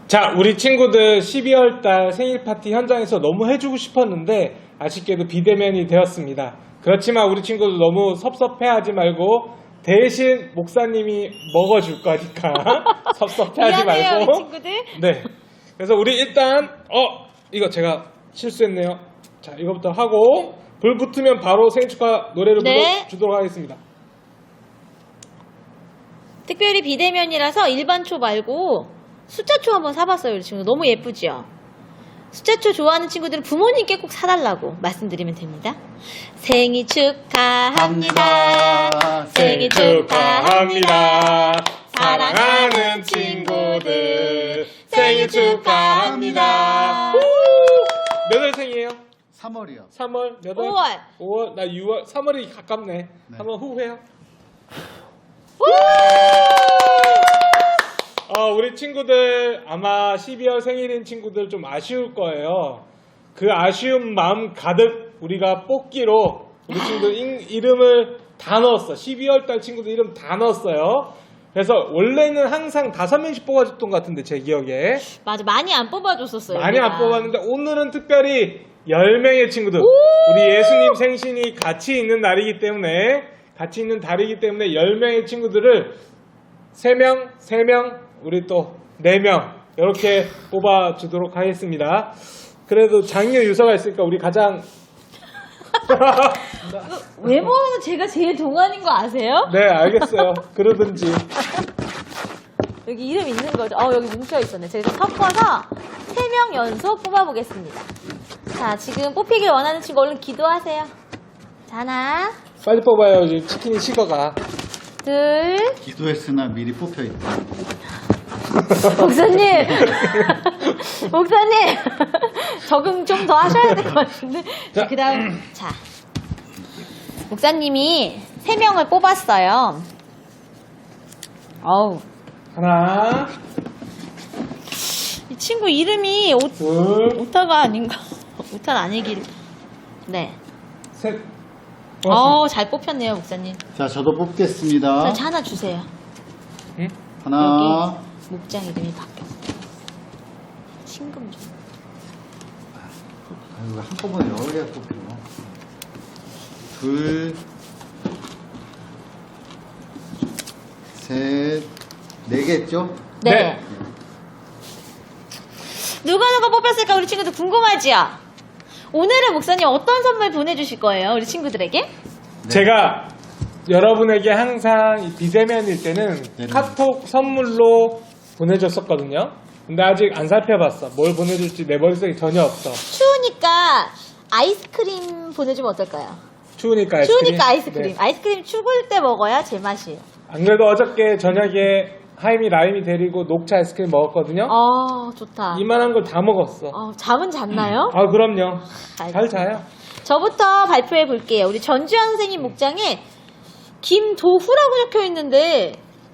자, 우리 친구들 12월 달 생일 파티 현장에서 너무 해주고 싶었는데 아쉽게도 비대면이 되었습니다. 그렇지만 우리 친구들 너무 섭섭해하지 말고 대신 목사님이 먹어줄 거니까 섭섭해하지 미안해요, 말고. 우리 친구들. 네. 그래서 우리 일단 이거 제가 실수했네요. 자, 이거부터 하고 불 붙으면 바로 생일 축하 노래를 네. 불러주도록 하겠습니다. 특별히 비대면이라서 일반초 말고 숫자초 한번 사봤어요, 우리 친구. 너무 예쁘죠? 숫자초 좋아하는 친구들은 부모님께 꼭 사달라고 말씀드리면 됩니다. 생일 축하합니다. 생일 축하합니다. 사랑하는 친구들 생일 축하합니다. 몇 월생이에요? 3월이요. 3월? 몇 월? 5월. 5월? 나 6월. 3월이 가깝네. 한번 후회요. 우리 친구들 아마 12월 생일인 친구들 좀 아쉬울 거예요. 그 아쉬운 마음 가득 우리가 뽑기로 우리 친구들 이름을 다 넣었어. 12월 달 친구들 이름 다 넣었어요. 그래서 원래는 항상 5명씩 뽑아줬던 것 같은데 제 기억에 맞아, 많이 안 뽑아줬었어요. 많이 우리가. 안 뽑았는데 오늘은 특별히 10명의 친구들 우리 예수님 생신이 같이 있는 날이기 때문에 10명의 친구들을 3명 우리 또 4명 이렇게 뽑아주도록 하겠습니다. 그래도 장유 유서가 있으니까 우리 가장 외모는 제가 제일 동안인 거 아세요? 네 알겠어요. 그러든지. 여기 이름 있는 거죠? 여기 뭉쳐있었네. 제가 섞어서 3명 연속 뽑아보겠습니다. 자, 지금 뽑히길 원하는 친구 얼른 기도하세요. 자, 하나, 빨리 뽑아요. 지금 치킨이 식어가. 둘, 기도했으나 미리 뽑혀있다. 목사님! 목사님! 적응 좀 더 하셔야 될 것 같은데. 자. 그 다음, 자. 목사님이 3명을 뽑았어요. 어우. 하나, 이 친구 이름이 둘, 오타가 아닌가? 오타는 아니길. 네. 셋. 잘 뽑혔네요, 목사님. 자, 저도 뽑겠습니다. 자, 하나 주세요. 응? 하나, 여기 목장 이름이 바뀌었어. 신금 좀. 아이고, 한꺼번에 여러 개가 뽑혀. 둘, 셋, 4개죠? 네. 누가 뽑혔을까 우리 친구들 궁금하지요? 오늘은 목사님 어떤 선물 보내주실 거예요, 우리 친구들에게? 제가 여러분에게 항상 이 비대면일 때는 네네. 카톡 선물로 보내줬었거든요. 근데 아직 안 살펴봤어. 뭘 보내줄지 내 머릿속에 전혀 없어. 추우니까 아이스크림 보내주면 어떨까요? 추우니까 아이스크림. 추우니까 아이스크림. 네. 아이스크림 추울 때 먹어야 제맛이에요. 안 그래도 어저께 저녁에 하임이 라임이 데리고 녹차 아이스크림 먹었거든요. 좋다. 이만한 걸 다 먹었어. 잠은 잤나요? 그럼요. 잘 자요. 저부터 발표해 볼게요. 우리 전주현 선생님 목장에 김도후라고 적혀 있는데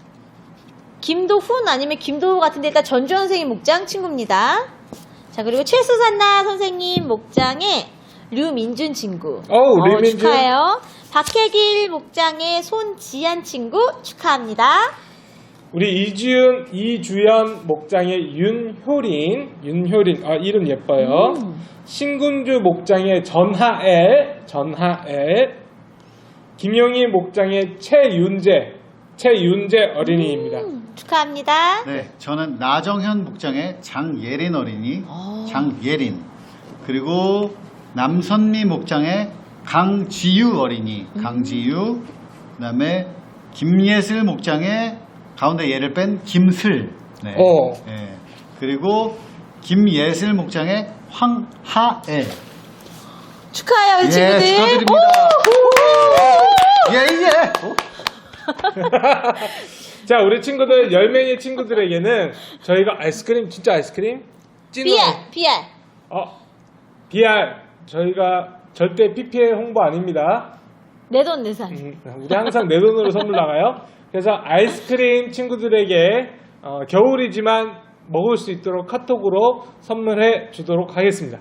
김도훈 아니면 김도후 같은데 일단 전주현 선생님 목장 친구입니다. 자, 그리고 최수산나 선생님 목장에 류민준 친구. 류민준. 축하해요. 박혜길 목장의 손지한 친구 축하합니다. 우리 이주연 목장의 윤효린. 이름 예뻐요. 신군주 목장의 전하엘. 김용희 목장의 최윤재 어린이입니다. 축하합니다. 네, 저는 나정현 목장의 장예린 어린이, 장예린. 그리고 남선미 목장의 강지유 어린이, 강지유. 그 다음에 김예슬 목장의 가운데 예를 뺀 김슬. 네. 네. 그리고 김예슬 목장의 황하애. 축하해요, 우리 친구들. 축하드립니다. 예. 자, 우리 친구들 10명의 친구들에게는 저희가 아이스크림 진짜 아이스크림? BR. BR 저희가 절대 PPL 홍보 아닙니다. 내돈 내산. 우리 항상 내 돈으로 선물 나가요. 그래서 아이스크림 친구들에게 겨울이지만 먹을 수 있도록 카톡으로 선물해 주도록 하겠습니다.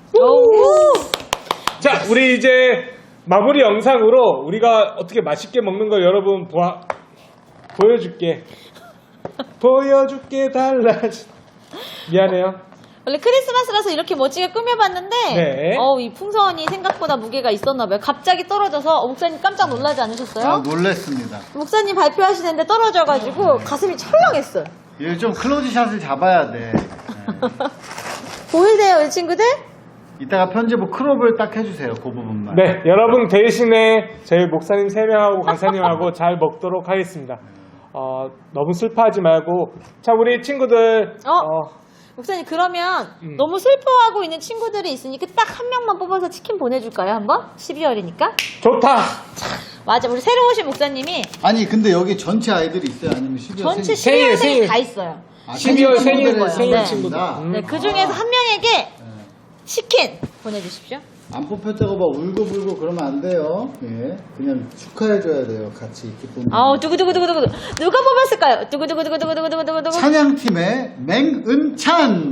자, 우리 이제 마무리 영상으로 우리가 어떻게 맛있게 먹는 걸 여러분 보여줄게. 보여줄게 달라진 미안해요. 원래 크리스마스라서 이렇게 멋지게 꾸며봤는데 네. 이 풍선이 생각보다 무게가 있었나봐요. 갑자기 떨어져서 목사님 깜짝 놀라지 않으셨어요? 아, 놀랬습니다. 목사님 발표하시는데 떨어져가지고 가슴이 철렁했어요. 이거 좀 클로즈샷을 잡아야 돼. 네. 보이세요, 우리 친구들? 이따가 편집을 크롭을 딱 해주세요. 그 부분만. 네, 여러분 대신에 저희 목사님 3명하고 강사님하고 잘 먹도록 하겠습니다. 너무 슬퍼하지 말고. 자, 우리 친구들. 목사님 그러면 너무 슬퍼하고 있는 친구들이 있으니까 딱 한 명만 뽑아서 치킨 보내줄까요, 한번? 12월이니까? 좋다. 맞아, 우리 새로 오신 목사님이 아니 근데 여기 전체 아이들이 있어요? 아니면 12월 전체 생일, 12월 생일 생일. 다 있어요. 12월 생일 네. 친구들. 네, 그 중에서 한 명에게 치킨 보내주십시오. 안 뽑혔다고 막 울고불고 그러면 안 돼요. 예, 그냥 축하해줘야 돼요. 같이 기쁨. 두구두구두구두구. 누가 뽑았을까요? 두구두구두구두구두구두구두구. 찬양팀의 맹은찬.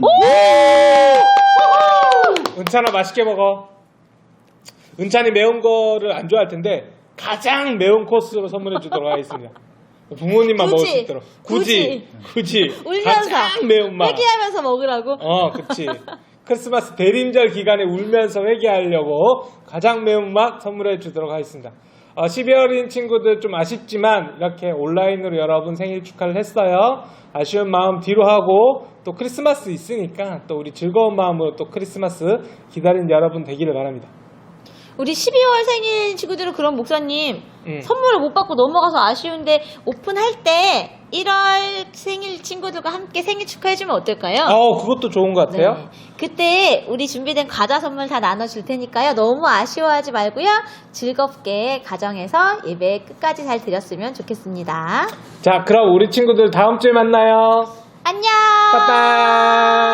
은찬아 맛있게 먹어. 은찬이 매운 거를 안 좋아할 텐데 가장 매운 코스로 선물해 주도록 하겠습니다. 부모님만 먹을 수 있도록. 굳이. 울면서. 가장 매운맛. 회개하면서 먹으라고. 그치. 크리스마스 대림절 기간에 울면서 회개하려고 가장 매운맛 선물해 주도록 하겠습니다. 12월인 친구들 좀 아쉽지만 이렇게 온라인으로 여러분 생일 축하를 했어요. 아쉬운 마음 뒤로 하고 또 크리스마스 있으니까 또 우리 즐거운 마음으로 또 크리스마스 기다리는 여러분 되기를 바랍니다. 우리 12월 생일 친구들은 그럼 목사님 선물을 못 받고 넘어가서 아쉬운데 오픈할 때 1월 생일 친구들과 함께 생일 축하해주면 어떨까요? 그것도 좋은 것 같아요. 네. 그때 우리 준비된 과자 선물 다 나눠줄 테니까요. 너무 아쉬워하지 말고요. 즐겁게 가정에서 예배 끝까지 잘 드렸으면 좋겠습니다. 자, 그럼 우리 친구들 다음 주에 만나요. 안녕. 빠빠.